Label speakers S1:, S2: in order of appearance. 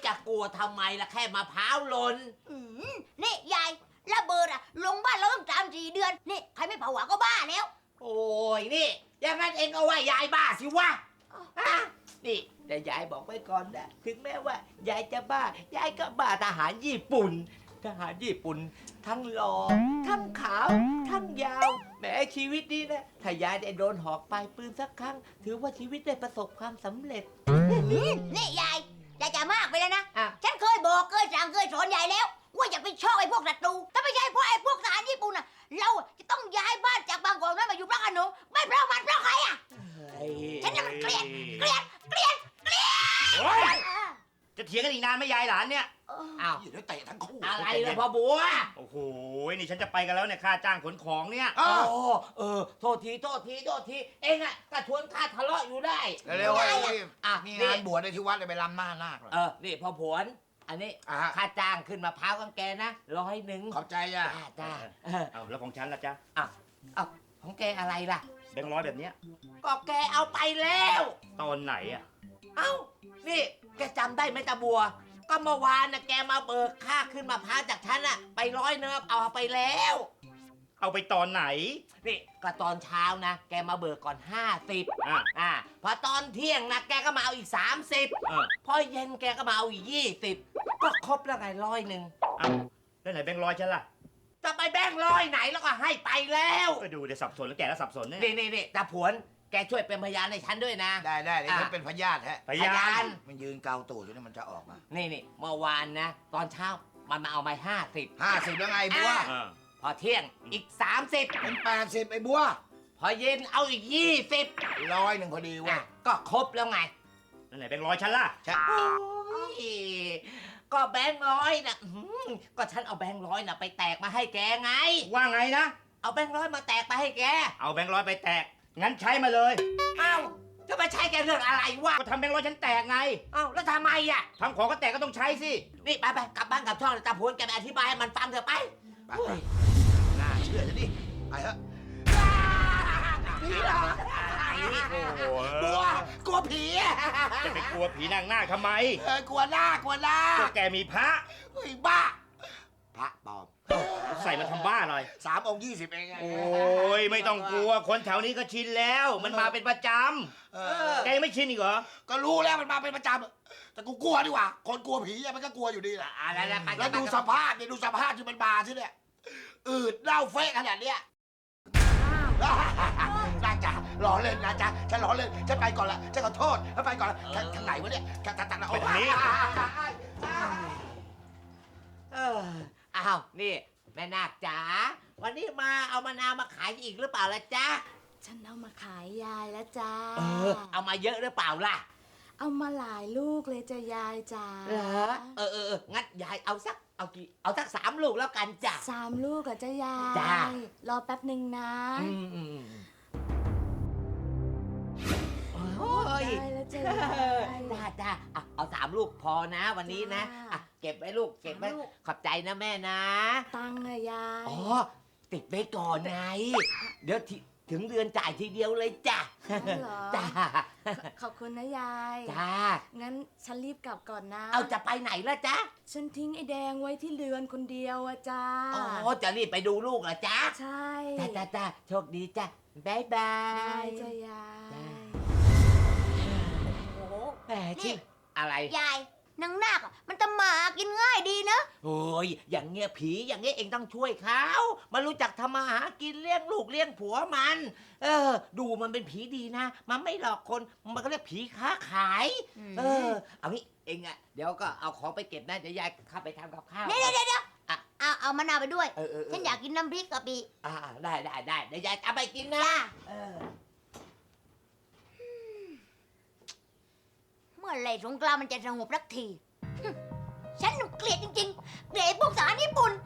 S1: จะกลัวทำไมล่ะแค่มะพร้าวหล่น
S2: นี่ยายระเบิดอะลงบ้านเราต้อง3-4 เดือนนี่ใครไม่ผวาก็บ้าแล้ว
S1: โอ้ยนี่อย่างนั้นเองก็ว่ายายบ้าสิวะฮะนี่แต่ยายบอกไว้ก่อนนะถึงแม้ว่ายายจะบ้ายายก็บ้าทหารญี่ปุ่น ทหารญี่ปุ่น ทั้งหล่อทั้งขาวทั้งยาวแหมชีวิตนี้นะถ้ายายได้โดนหอกปลายปืนสักครั้ง ถือว่าชีวิตได้ประสบความสำเร็จ
S2: นี่ยายจะมากไปแล้วนะ
S1: อ่ะ
S2: ฉันเคยบอกเคยสั่งเคยสอนยายแล้ว ว่าอย่าไปชอบไอ้พวกศัตรูถ้าไม่ใช่เพราะไอ้พวกทหารญี่ปุ่นอะเราจะต้องย้ายบ้านจากบางกอกนั้นมาอยู่พระโขนงไม่เพราะมันเพราะใครอะ ฉันน่ะมันเกลียด
S3: โอ๊ยจะเถียงกันอีกนานไหมยายหลานเนี่ย
S1: อ้าว
S4: เดี๋ยวเตะทั้งคู่
S1: อะไรล่ะพ่อบัว
S3: โอ้โห นี่ฉันจะไปกันแล้วเนี่ยค่าจ้างขนของเนี่ย
S1: โอ้โทษทีเองอะก็ชวนข้าทะเลาะอยู่ได้
S4: เร็วๆ
S1: ได้
S4: ไอ้
S1: อ่ะ
S4: มี
S1: นี่
S4: งานบวชในที่วัดเลยไปรำหน้านาคเหรอ
S1: นี่พ่อผวนอันนี้
S4: อ่ะ
S1: ค่าจ้างขึ้นมะพร้าวกังแกนะ100
S4: ขอบใจจ้ะ
S1: จ้า
S3: เอาแล้วของฉันล่ะจ๊ะ
S1: ของแกอะไรล่ะ
S3: แบงค์ร้อยแบบเนี้ย
S1: ก็แกเอาไปแล้ว
S3: ตอนไหนอ่ะ
S1: เอ้า นี่แกจำได้ไหมตาบัว ก็เมื่อวานนะแกมาเบิกค่าขึ้นมะพร้าวจากฉันอะไป100 เนิบเอาไปแล้ว
S3: เอาไปตอนไหน
S1: นี่ก็ตอนเช้านะ แกมาเบิกก่อน50
S3: อ่ะ
S1: พอตอนเที่ยงนะแกก็มาเอาอีก30
S3: เออ
S1: พอเย็นแกก็มาเอาอีก20 ก็ครบแล้วไง100
S3: เอาแล้วไหนแบงค์ร้อยฉันล่ะ
S1: จะไปแบ่ง100ไหนแล้วก็ให้ไปแล้ว
S3: ก็ดูเดี๋ยวสับสนแล้วแกก็สับสนเนี่ย
S1: นี่ตาผวน แกช่วยเป็นพยานให้ฉันด้วยนะ
S4: ได้เดี๋ยวฉันเป็นพยาธิฮะ
S3: พยาน
S4: มันยืนเกาตูดอยู่นี่มันจะออกมา
S1: นี่เมื่อวานนะ ตอนเช้ามันมาเอาไป50
S4: 50แล้วไงบัว
S3: อ่า
S1: พอเที่ยงอีก30
S4: เป็น80ไอ้บัว
S1: พอเย็นเอาอีก20
S4: 100พอดีเว้ย
S1: ก็ครบแล้วไง
S3: แล้วไหนแบงค์ร้อยฉันล่ะ
S4: ใช่
S1: โอ้ยก็แบงค์ร้อยนะก็ฉันเอาแบงค์ร้อยนะไปแตกมาให้แกไง
S3: ว่าไงนะ
S1: เอาแบงค์ร้อยมาแตกไปให้แก
S3: เอาแบงค์ร้อยไปแตก งั้นใช้มาเลย
S1: เอ้าจะมาใช้แกเรื่องอะไรวะ
S3: ก็ทำแบงค์ร้อยฉันแตกไง
S1: เอ้าแล้วทำไมอ่ะ
S3: ทำของก็แตกก็ต้องใช้สิ
S1: นี่ไปกลับบ้านกลับช่องเลยตาพวนแกไปอธิบายให้มันฟังเถอะไป
S4: ไปน่าเชื่อจะดิไปเถอะ
S1: ผีหรอ
S3: โอ้โห
S4: บัวกลัวผี
S3: จะไปกลัวผีนางนาคทำไม
S4: กลัวหน้ากลัวหน้า
S3: ก็แกมีพระ
S4: เฮ้ยบ้า พระปลอม
S3: ใส่มาทำบ้าหน่อย
S4: 3 องค์ 20เองไง
S3: โอ้ยไม่ต้องกลัว คนแถวนี้ก็ชินแล้ว มันมาเป็นประจ
S4: เอ
S3: ำแกยังไม่ชินอีกเหรอ
S4: ก็รู้แล้วมันมาเป็นประจำแต่กูกลัวดีกว่า คนกลัวผีอะมันก็กลัวอยู่ดีแหละ
S1: อะไรนะไป
S4: แล้วดูสภาพเนี่ยดูสภาพที่มันมาสิเนี่ยอืดเน่าเฟะขนาดเนี้ยน่าจะล้อเล่นนะจ๊ะฉันล้อเล่นฉันไปก่อนละฉันขอโทษฉันไปก่อนละทางไหนวะเนี่ยทาง
S3: ไปทางนี้
S1: อ้าวนี่แม่นาคจ๋าวันนี้มาเอามะนาวมาขายอีกหรือเปล่าล่ะจ๊ะ
S5: ฉันเอามาขายยายแล้วจ้า
S1: เอามาเยอะหรือเปล่าล่ะ
S5: เอามาหลายลูกเลยจ้ะยายจ้า
S1: เหรองั้นยายเอาสัก3 ลูกแล้วกันจ้ะ
S5: 3 ลูกอะจ้ะยาย
S1: จ้า
S5: รอแป๊บหนึ่งนะ
S1: โอ้ย
S5: ได้แล้วจ้ะยาย
S1: จ้าเอา3 ลูกพอนะวันนี้นะ
S5: จ้า
S1: เก็บไว้ลูกเก็บไว้
S5: 3 ลูก
S1: ขอบใจนะแม่นะ
S5: ตังค์อะยาย
S1: อ๋อติดไว้ก่อนไงเดี๋ยวถึงเดือนจ่ายทีเดียวเลยจ้ะ
S5: เหรอ
S1: จ้า
S5: ขอบคุณนะยาย
S1: จ้า
S5: งั้นฉันรีบกลับก่อนนะ
S1: เอาจะไปไหนล่ะจ๊ะ
S5: ฉันทิ้งไอ้แดงไว้ที่เรือนคนเดียวอะจ้า
S1: อ๋อจะรีบไปดูลูกเหรอจ๊ะ
S5: ใช่
S1: จ้าโชคดีจ้ะบ๊ายบา
S5: ได้
S1: ย
S5: จ้ะยาย
S2: โอ้โห
S1: แหมชิอะไร
S2: ยายนางนาคอะมันจะหมากินง่ายดีนะ
S1: โอ้ยอย่างเงี้ยผีอย่างเงี้ยเองต้องช่วยเขามันรู้จักทำมาหากินเลี้ยงลูกเลี้ยงผัวมัน ดูมันเป็นผีดีนะ มันไม่หลอกคนมันก็เรียกผีค้าขาย เอางี้เองอะเดี๋ยวก็เอาของไปเก็บนะเดี๋ยวยายเข้าไปทำกับข้าว
S2: เดี๋ยวเอามะนาวไปด้วย
S1: เออ
S2: ฉันอยากกินน้ำพริกกะปิ
S1: ได้เดี๋ยวยายเอาไปกินนะ
S2: จ้า
S1: เออ
S2: เมื่อไหร่สงกรานต์มันจะสงบสักที ฉันเกลียดจริงๆ เกลียดไอ้พวกทหารญี่ปุ่น